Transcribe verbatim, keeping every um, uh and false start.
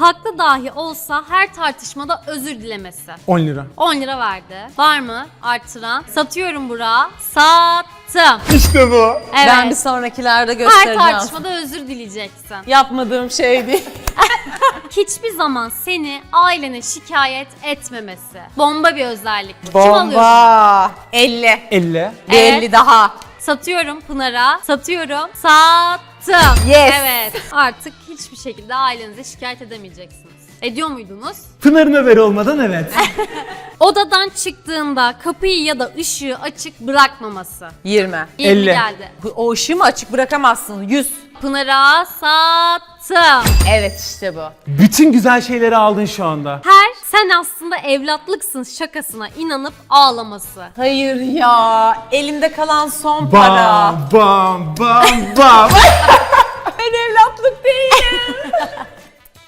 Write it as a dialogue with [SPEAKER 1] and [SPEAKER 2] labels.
[SPEAKER 1] haklı dahi olsa her tartışmada özür dilemesi.
[SPEAKER 2] on lira.
[SPEAKER 1] on lira verdi. Var mı artıran? Satıyorum Burak'a. Sattım.
[SPEAKER 2] İşte bu.
[SPEAKER 1] Evet.
[SPEAKER 3] Ben bir sonrakilerde
[SPEAKER 1] Her
[SPEAKER 3] göstereceğim.
[SPEAKER 1] tartışmada özür dileyeceksin.
[SPEAKER 3] Yapmadığım şey değil.
[SPEAKER 1] Hiçbir zaman seni ailene şikayet etmemesi. Bomba bir özellik bu. Kim alıyor bunu?
[SPEAKER 3] Bomba. elli.
[SPEAKER 2] elli.
[SPEAKER 3] Bir
[SPEAKER 1] Evet.
[SPEAKER 3] elli daha.
[SPEAKER 1] Satıyorum Pınar'a. Satıyorum. Sattım.
[SPEAKER 3] Yes.
[SPEAKER 1] Evet. Artık hiçbir şekilde ailenize şikayet edemeyeceksiniz. Ediyor muydunuz?
[SPEAKER 2] Pınar'ın haberi olmadan evet.
[SPEAKER 1] Odadan çıktığında kapıyı ya da ışığı açık bırakmaması.
[SPEAKER 3] yirmi.
[SPEAKER 1] yirmi
[SPEAKER 2] elli.
[SPEAKER 1] geldi.
[SPEAKER 3] Bu- O ışığı mı açık bırakamazsın? yüz.
[SPEAKER 1] Pınar'a sattım.
[SPEAKER 3] Evet işte bu.
[SPEAKER 2] Bütün güzel şeyleri aldın şu anda.
[SPEAKER 1] Her sen aslında evlatlıksın şakasına inanıp ağlaması.
[SPEAKER 3] Hayır ya. Elimde kalan son para.
[SPEAKER 2] Bam bam bam bam.
[SPEAKER 3] Ben evlatlık değilim.